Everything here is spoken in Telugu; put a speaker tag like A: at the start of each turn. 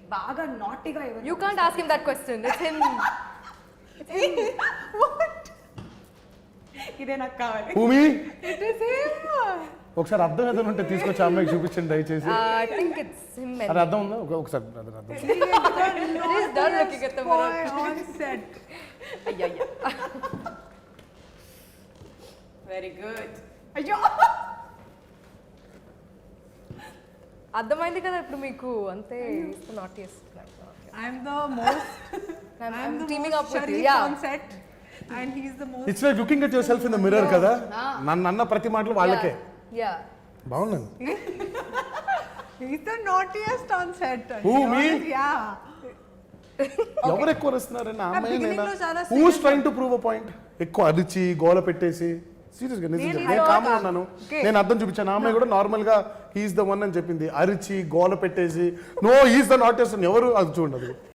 A: బాగా నాటీగా
B: You can't ask him that question. It's him.
A: ఇదే నాకు కావాలి.
C: భూమి
A: It is him.
C: ఒకసారి అర్థం ఏదైనా ఉంటే తీసుకొచ్చి అమ్మాయికి చూపించండి దయచేసి.
B: I think it's him.
C: అది అర్థం ఉందా ఒకసారి అది అర్థం.
B: He's done looking at the mirror.
A: On set.
B: Yeah.
A: Very good. అయ్యో.
B: అర్థమైంది కదా ఇప్పుడు మీకు అంతే నాట్ చేస్తున్నాను.
A: I'm the most.
B: I'm teaming up with you.
A: Sharif
B: Yeah.
A: on set. And he's the most.
C: It's like looking at yourself in the mirror కదా. నన్ను అన్న ప్రతి మాటలు వాళ్ళకే.
B: Yeah.
C: బాగుంది.
A: He's the naughtiest on set.
C: Who, me?
A: Yeah.
C: ఎవరు ఎక్కువ వస్తున్నారని ఆ అమ్మాయి
A: beginning
C: నేనా
A: లో చాలా
C: who's trying to prove a point ఎక్కువ అరిచి గోల పెట్టేసి సీరియస్ గా నిజంగా నేను కామ్గా ఉన్నాను. నేను అర్థం చూపించాను. ఆ అమ్మాయి కూడా నార్మల్ గా హీఈస్ ద వన్ అని చెప్పింది. అరిచి గోల పెట్టేసి నో హీఈస్ ద నాటెస్ట్ అని ఎవరు అది చూడండి.